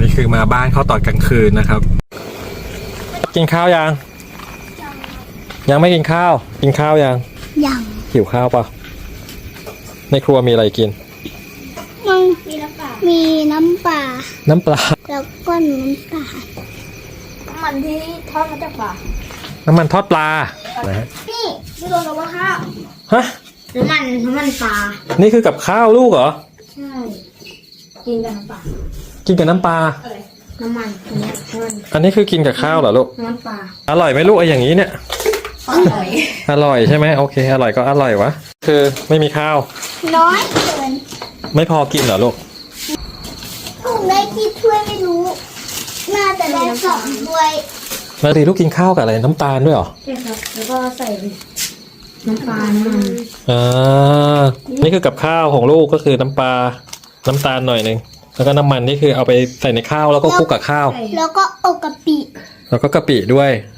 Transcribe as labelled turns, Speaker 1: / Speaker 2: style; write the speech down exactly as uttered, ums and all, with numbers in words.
Speaker 1: นี่คือมาบ้านเขาตอนกลางคืนนะครับกินข้าวยังยังไม่กินข้าวกินข้าวยัง
Speaker 2: ยัง
Speaker 1: หิวข้าวปะในครัวมีอะไรกิน
Speaker 2: มันมีน้ำปลามีน้ำปลา
Speaker 1: น้ำปลา
Speaker 2: แล้วก็น้ำตาลน้ำมันที่ทอดมาจากปลา
Speaker 1: น้ำมันทอดปลานะฮะ
Speaker 2: นี่นี่รวมกับว่าข้าว
Speaker 1: ฮะ
Speaker 2: น้ำมันน้ำมันปลา
Speaker 1: นี่คือกับข้าวลูกเหรอ
Speaker 2: ใช่กินกับน้ำปลา
Speaker 1: กินกับน้ำปลา
Speaker 2: น้ำมันอันนี้น้ำมัน
Speaker 1: อันนี้คือกินกับข้าวเหรอลูก
Speaker 2: น้ำมันปลา
Speaker 1: อร่อยไหมลูกไอ้อย่างนี้เนี่ย
Speaker 2: อร่อย
Speaker 1: อร่อยใช่ไหมโอเคอร่อยก็อร่อยวะคือไม่มีข้าว
Speaker 2: น้อยเกิน
Speaker 1: ไม่พอกินเหรอลูก
Speaker 2: ถูกได้กี่ถ้วยไม่รู้น่าจะได้สองถ้วย
Speaker 1: แล้วดีลูกกินข้าวกับอะไรน้ำตาลด้วยเหรอ
Speaker 2: ใช่ครับแล้วก็ใส่น้ำปลาน้ำมัน
Speaker 1: อ่านี่คือกับข้าวของลูกก็คือน้ำปลาน้ำตาลหน่อยนึงแล้วก็น้ำมันนี่คือเอาไปใส่ในข้าวแล้วก็คลุกกับข้าว
Speaker 2: แล้วก็เอากะปิ
Speaker 1: แล้วก็กะปิด้วย